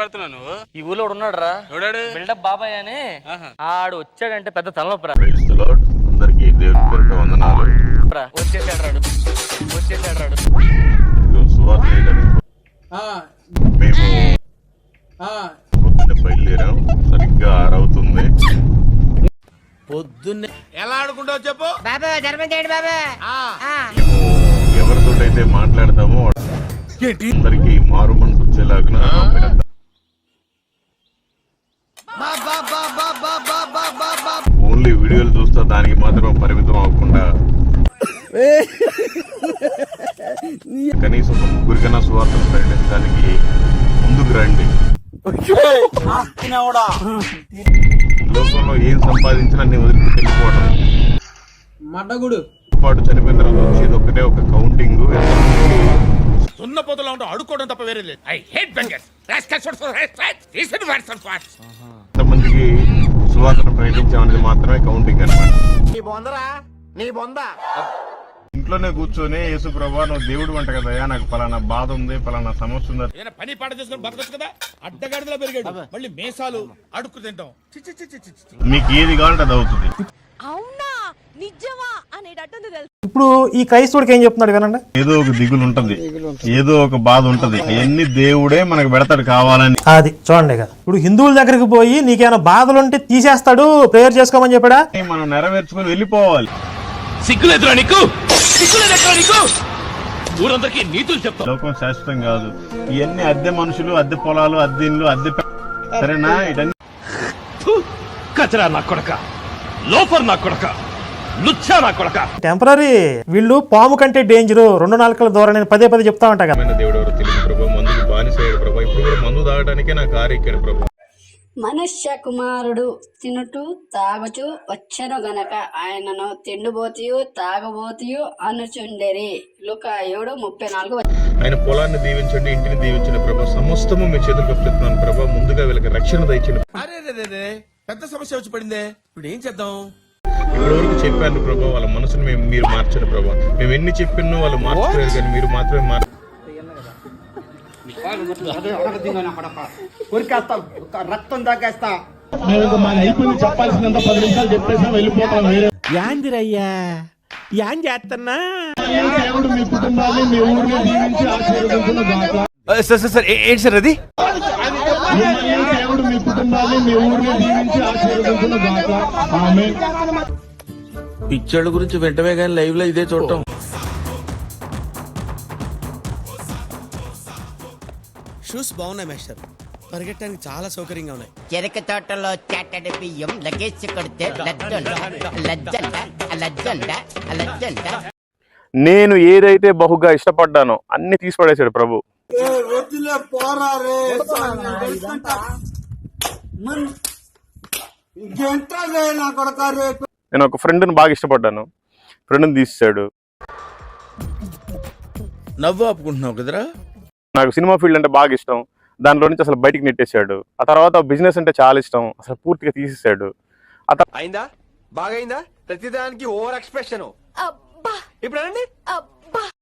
పడుతున్నావు నువ్వు? ఈ ఊళ్ళో ఉన్నాడు రా, ఎవడాడు? బిల్డప్ బాబాయ్ అని. ఆడు వచ్చాడంటే పెద్ద తలనొప్పి. అందరికి దేవుడి పేరుతో వందనాలు. వచ్చేసాడు రాడు. సువార్త చేయడానికి మేము పొద్దున్నే బయలుదేరాం. సరిగ్గా 6 అవుతుంది. పొద్దున్నే ఎలా ఆడుకుంటావు చెప్పు బాబా, ధర్మం చేయండి బాబా. మేము ఎవరితోటైతే మాట్లాడతామో అందరికి మారు మనసు వచ్చేలాగా ఓన్లీ వీడియోలు చూస్తా దానికి మాత్రం పరిమితం అవ్వకుండా కనీసం 1 ముగ్గురికైనా సువార్తను ప్రకటించడానికి ముందుకు రండి. లోకంలో ఏం సంపాదించినా నేను వదిలిపెట్టి వెళ్ళిపోవడం పాటు చనిపోయిన తర్వాత వచ్చేది ఒకటే ఒక కౌంటింగ్. సున్నపోతలో ఉంటూ అడుక్కోవడం తప్ప వేరే లేదు. I hate beggars. ఎంతమందికి సువార్తను ప్రకటించామనేది మాత్రమే కౌంటింగ్ అన్నమాట. ఇంట్లోనే కూర్చొని యేసు ప్రభా నువ్వు దేవుడు అంట కదయా, నాకు పలానా బాధ ఉంది, పలానా సమస్య ఉంది, పని పాట చేసుకుని బతకొచ్చు కదా. అడ్డగాడిలో పెరిగాడు, మళ్ళీ మేసాలు అడుక్కు తింటాం. మీకు ఏది కావాలంటే అది అవుతుంది. అవునా నిజమా అనేటట్టుంది తెలుసు. ఇప్పుడు ఈ క్రైస్తవుడికి ఏం చెప్తున్నాడు వినండి. ఏదో ఒక దిగులు ఉంటది, ఏదో ఒక బాధ ఉంటది, అవన్నీ దేవుడే మనకు పెడతాడు కావాలని. అది చూడండి కదా, ఇప్పుడు హిందువుల దగ్గరికి పోయి నీకేమైనా బాధలుంటే తీసేస్తాడు, ప్రేయర్ చేసుకోమని చెప్పాడా? మనం నెరవేర్చుకొని వెళ్ళిపోవాలి. సిగ్గులేదురా నీకు? ఊరందరికీ నీతులు చెప్తా. లోకం శాశ్వతం కాదు. ఇవన్నీ అద్దె మనుషులు, అద్దె పొలాలు, అద్దె ఇండ్లు, అద్దె సరేనా? ఇటన్నీ కచరా నా కొడక, లోఫర్ నా కొడక, లుచ్చా నా కొడక. టెంపరీ. వీళ్ళు పాము కంటే డేంజర్, 2 నాలుకల ద్వారా నేను పదే చెప్తా ఉంటా కదా. దేవుడు ఎవరు తెలియదు ప్రభా, మందుకు బానిసయ్యాడు ప్రభా. ఇప్పుడు కూడా మందు తాగడానికే నా కారు ఎక్కాడు ప్రభా. మనుష్య కుమారుడు తినుటూ తాగుచూ వచ్చెను గనక ఆయనను తిండిబోతియు తాగబోతియు అనుచుండెరి. లూకా 7:34. ఆయన పొలాన్ని దీవించండి, ఇంటిని దీవించండి ప్రభా. సమస్తము మీ చేతులకు అప్పచెప్తున్నాను ప్రభా. ముందుగా వీళ్ళకి రక్షణ దయచండి. పెద్ద సమస్య వచ్చి పడిందే, ఇప్పుడు ఏం చేద్దాం? ఇప్పటి వరకు చెప్పాను ప్రభా, వాళ్ళ మనసును మీరు మార్చండి ప్రభా. మేము ఎన్ని చెప్పినో వాళ్ళు మార్చలేదు, కానీ మీరు మాత్రమే రక్తం దాకేస్తా. చెప్పాల్సినంత 10 నిమిషాలు చెప్పేసి వెళ్ళిపోతాం. యాందిరయ్యా యాం చేస్తున్నా? దేవుడు మీ కుటుంబాన్ని మీ ఊరిని దీవించి ఆశీర్వదించును. ఏంటి సార్ అది? దేవుడు మీ కుటుంబాన్ని మీ ఊరిని దీవించి ఆశీర్వదించును. ఆమేన్. పిక్చర్ల గురించి వెంటనే కానీ లైవ్ లో ఇదే చూడటం. షూస్ బాగున్నాయి మాస్టర్, పరిగెట్టడానికి చాలా సౌకర్యంగా ఉన్నాయి. చెరక తోటలో చాటడి బియ్యం లగేజ్ కొడితే లజ్జంట. నేను ఏదైతే బహుగా ఇష్టపడ్డానో అన్ని తీసి పడేశాడు ప్రభు. నేను ఒక ఫ్రెండ్ని బాగా ఇష్టపడ్డాను, ఫ్రెండ్ని తీసాడు. నవ్వు ఆపుకుంటున్నావు కదరా. నాకు సినిమా ఫీల్డ్ అంటే బాగా ఇష్టం, దానిలో నుంచి అసలు బయటికి నెట్టేశాడు. ఆ తర్వాత బిజినెస్ అంటే చాలా ఇష్టం, అసలు పూర్తిగా తీసేసాడు. అయిందా? బాగైందా? ప్రతిదానికి ఓవర్ ఎక్స్ప్రెషన్. ఇప్పుడు